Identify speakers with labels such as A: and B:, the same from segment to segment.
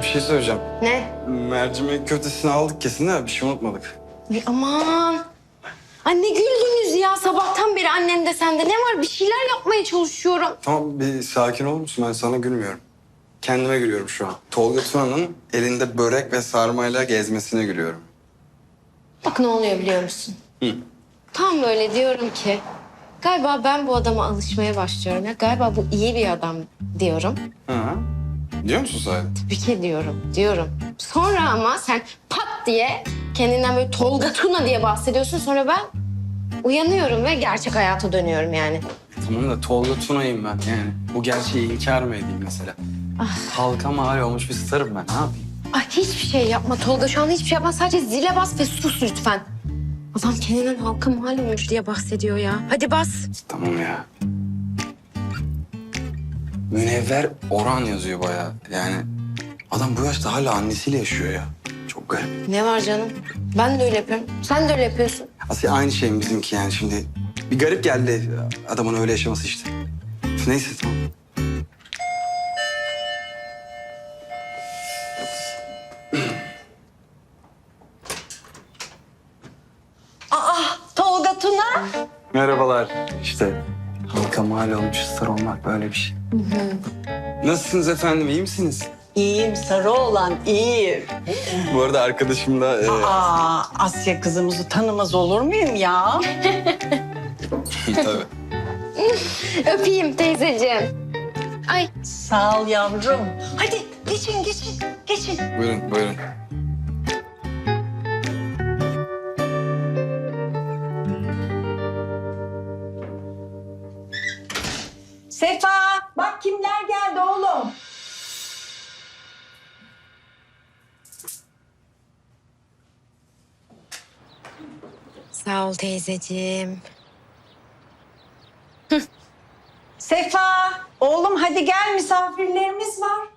A: şey söyleyeceğim.
B: Ne?
A: Mercimek köftesini aldık kesin de bir şey unutmadık.
B: Ay aman. Anne güldünüz ya. Sabahtan beri annem de sende. Ne var? Bir şeyler yapmaya çalışıyorum.
A: Tamam bir sakin olur musun? Ben sana gülmüyorum. Kendime gülüyorum şu an. Tolga Tuna'nın elinde börek ve sarmayla gezmesine gülüyorum.
B: Bak ne oluyor biliyor musun?
A: Hı.
B: Tam böyle diyorum ki... Galiba ben bu adama alışmaya başlıyorum. Ya galiba bu iyi bir adam diyorum.
A: Ha. Diyor musun sahi?
B: Tabii ki diyorum. Sonra ama sen pat diye kendinden böyle Tolga Tuna diye bahsediyorsun. Sonra ben uyanıyorum ve gerçek hayata dönüyorum yani.
A: Tamam da Tolga Tuna'yım ben yani. Bu gerçeği inkar mı edeyim mesela? Halka mal olmuş bir starım ben. Ne yapayım?
B: Ay hiçbir şey yapma Tolga. Şu anda hiçbir şey yapma. Sadece zile bas ve sus lütfen. Adam kendinden halka mal olmuş diye bahsediyor ya. Hadi bas.
A: Tamam ya. Münevver Orhan yazıyor bayağı. Yani adam bu yaşta hala annesiyle yaşıyor ya. Çok garip.
B: Ne var canım? Ben de öyle yapıyorum. Sen de öyle yapıyorsun.
A: Aslında aynı şey mi bizimki yani şimdi? Bir garip geldi adamın öyle yaşaması işte. Neyse tamam.
C: Tolga Tuna.
A: Merhabalar. İşte halka mal olmuş star olmak böyle bir şey. Nasılsınız efendim, iyi misiniz?
C: İyiyim sarı olan iyiyim.
A: Bu arada arkadaşım da...
C: Asya kızımızı tanımaz olur muyum ya?
A: Tabii.
B: Öpeyim teyzeciğim. Ay
C: Sağ ol yavrum. Hadi geçin.
A: Buyurun.
C: Sefa bak kimler geldi oğlum.
B: sağ ol teyzeciğim.
C: Sefa oğlum hadi gel misafirlerimiz var.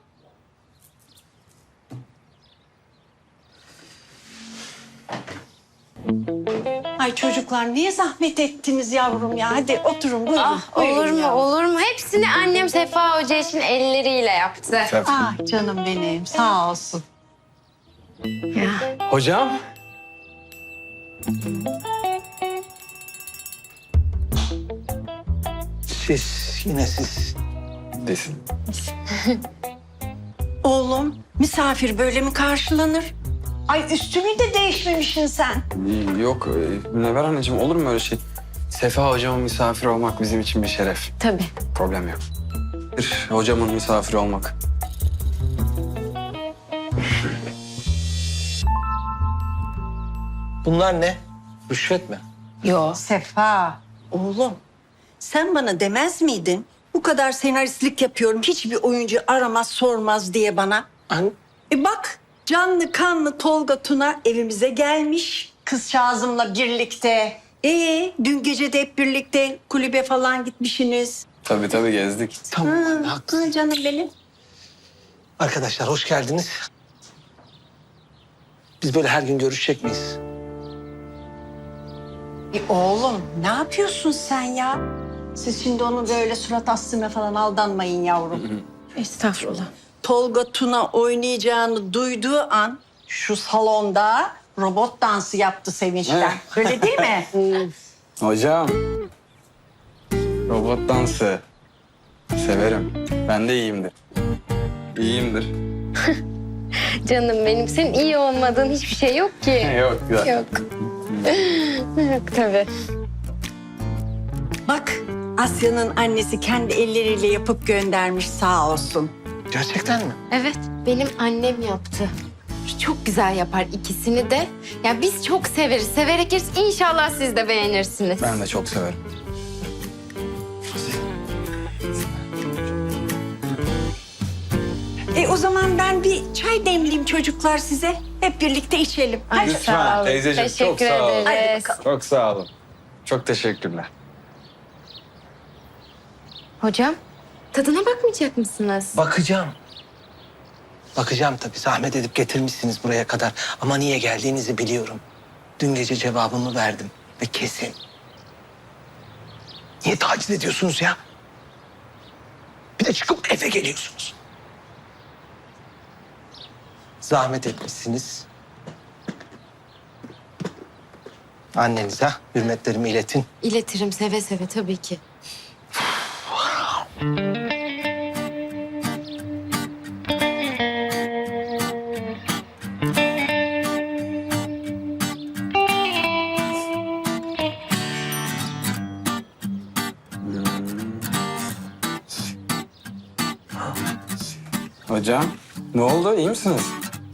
C: Ay çocuklar niye zahmet ettiniz yavrum ya? Hadi oturun buyurun. Buyurun yavrum.
B: Olur mu? Hepsini annem Sefa Hoca için elleriyle yaptı.
C: Ah canım benim sağ olsun.
B: Ya.
A: Hocam.
D: Yine siz.
A: Desin.
C: Oğlum misafir böyle mi karşılanır? Ay üstünü de değişmemişsin sen.
A: Yok Münevver anneciğim olur mu öyle şey? Sefa hocamın misafir olmak bizim için bir şeref.
B: Tabii.
A: Problem yok. Bir hocamın misafiri olmak.
D: Bunlar ne? Rüşvet mi?
C: Yo. Sefa, oğlum sen bana demez miydin? Bu kadar senaristlik yapıyorum, hiçbir oyuncu aramaz sormaz diye bana. Bak, canlı kanlı Tolga Tuna evimize gelmiş. Kızcağızımla birlikte. Dün gece de hep birlikte kulübe falan gitmişsiniz.
A: Tabii gezdik.
D: Tamam anne, haklısın.
C: Ha, canım benim.
D: Arkadaşlar hoş geldiniz. Biz böyle her gün görüşecek miyiz?
C: Oğlum ne yapıyorsun sen ya? Siz şimdi onun böyle surat astığına falan aldanmayın yavrum.
B: Estağfurullah.
C: Tolga Tuna oynayacağını duyduğu an şu salonda robot dansı yaptı sevinçten. Öyle değil mi?
A: Hocam. Robot dansı. Severim. Ben de iyiyimdir. İyiyimdir.
B: Canım benim. Senin iyi olmadığın hiçbir şey yok ki.
A: Yok güzel.
B: Yok. Yok tabii.
C: Bak Asya'nın annesi kendi elleriyle yapıp göndermiş sağ olsun.
D: Gerçekten mi?
B: Evet, benim annem yaptı. Çok güzel yapar ikisini de. Ya biz çok severiz. Severek yeriz. İnşallah siz de beğenirsiniz.
A: Ben de çok severim.
C: O zaman ben bir çay demleyeyim çocuklar size. Hep birlikte içelim.
B: Ay,
C: Hadi.
B: sağ olun.
A: Teyzeciğim, çok
B: Teşekkür
A: sağ olun.
B: ederiz.
C: Hadi bakalım.
A: Çok sağ olun. Çok teşekkürler.
B: Hocam, tadına bakmayacak mısınız?
D: Bakacağım. Bakacağım tabii. Zahmet edip getirmişsiniz buraya kadar. Ama niye geldiğinizi biliyorum. Dün gece cevabımı verdim. Ve kesin. Niye taciz ediyorsunuz ya? Bir de çıkıp eve geliyorsunuz. Zahmet etmişsiniz. Annenize hürmetlerimi iletin.
B: İletirim seve seve tabii ki.
A: Hocam ne oldu? İyi misiniz?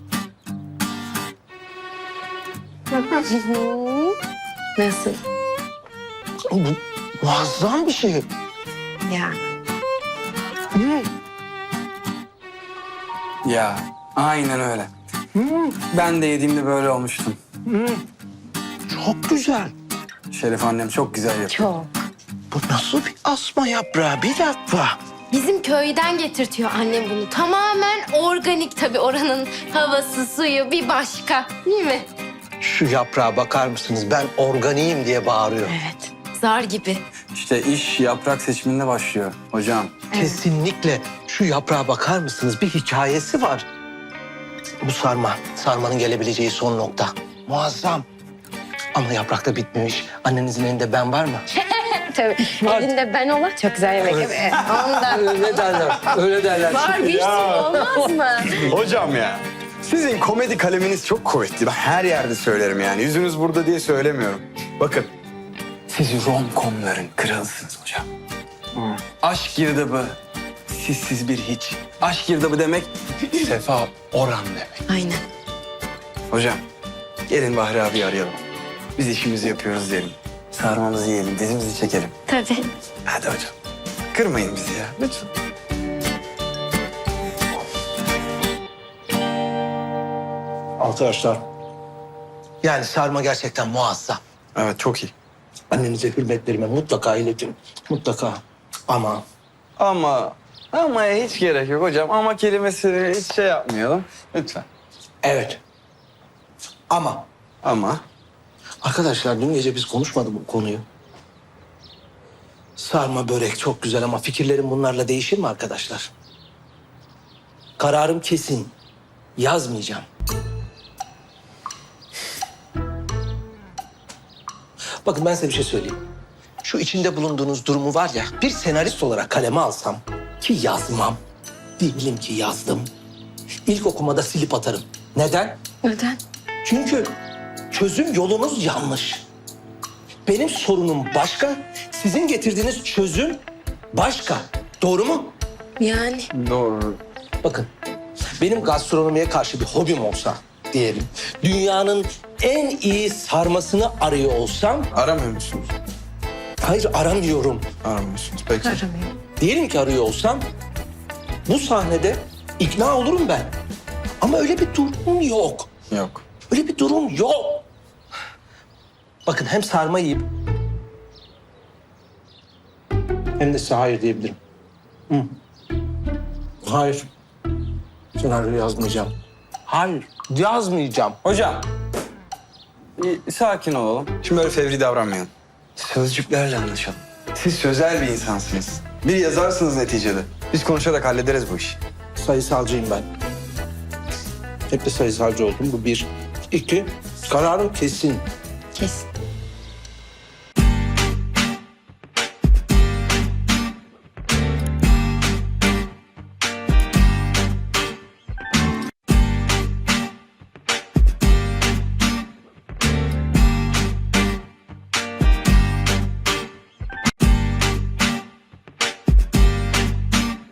B: Nasıl?
D: Bu muazzam bir şey.
B: Ya.
A: Ya aynen öyle. Ben de yediğimde böyle olmuştum.
D: Çok güzel.
A: Şerif annem çok güzel yapıyor.
B: Çok.
D: Bu nasıl bir asma yaprağı? Bir dakika.
B: Bizim köyden getirtiyor annem bunu. Tamamen organik tabii, oranın havası, suyu bir başka. Değil mi?
D: Şu yaprağa bakar mısınız? Ben organiyim diye bağırıyor.
B: Evet. Zar gibi.
A: İşte iş yaprak seçiminde başlıyor hocam.
D: Kesinlikle şu yaprağa bakar mısınız? Bir hikayesi var. Bu sarmanın gelebileceği son nokta. Muazzam. Ama yaprakta bitmemiş. Annenizin elinde ben var mı?
B: Tabii. Elinde ben olan çok güzel yemek yapıyor. Ondan.
D: Öyle derler. Öyle derler.
B: Var bir sürü, olmaz mı?
A: Hocam ya. Sizin komedi kaleminiz çok kuvvetli. Ben her yerde söylerim yani. Yüzünüz burada diye söylemiyorum. Bakın. Siz rom-com'ların kralısınız hocam. Aşk girdabı. Sizsiz bir hiç. Aşk girdabı demek Sefa Orhan demek.
B: Aynen.
A: Hocam gelin Bahri abi arayalım. Biz işimizi yapıyoruz diyelim. Sarmamızı yiyelim, dizimizi çekelim.
B: Tabii.
A: Hadi hocam. Kırmayın bizi ya lütfen.
D: Arkadaşlar. Yani sarma gerçekten muazzam.
A: Evet çok iyi.
D: Annenize hürmetlerime mutlaka iletin. Mutlaka. Ama
A: Ama hiç gerek yok hocam. Ama kelimesini hiç şey yapmayalım. Lütfen.
D: evet. Ama arkadaşlar dün gece biz konuşmadık bu konuyu. Sarma börek çok güzel ama fikirlerim bunlarla değişir mi arkadaşlar? Kararım kesin. Yazmayacağım. Bakın ben size bir şey söyleyeyim. Şu içinde bulunduğunuz durumu var ya, bir senarist olarak kaleme alsam ki yazmam. Diyelim ki yazdım. İlk okumada silip atarım. Neden?
B: Neden?
D: Çünkü çözüm yolunuz yanlış. Benim sorunum başka, sizin getirdiğiniz çözüm başka. Doğru mu?
B: Yani.
A: Doğru.
D: Bakın, benim gastronomiye karşı bir hobim olsa diyelim, dünyanın en iyi sarmasını arıyor olsam,
A: Aramıyor musunuz?
D: hayır aramıyorum.
A: Aramıyorsunuz. Peki.
B: Aramıyorum.
D: Diyelim ki arıyor olsam, bu sahnede ikna olurum ben. Ama öyle bir durum yok.
A: Yok.
D: Öyle bir durum yok. Bakın hem sarma yiyip hem de size hayır diyebilirim. Hı. Hayır. Senaryo yazmayacağım. Hayır, yazmayacağım.
A: Hocam. Bir sakin olalım. Şimdi böyle fevri davranmayalım. Sözcüklerle anlaşalım. Siz sözel bir insansınız. Bir yazarsınız neticede. Biz konuşarak hallederiz bu işi.
D: Sayısalcıyım ben. Hep de sayısalcı oldum. Bu bir. İki, kararım kesin.
B: Kesin.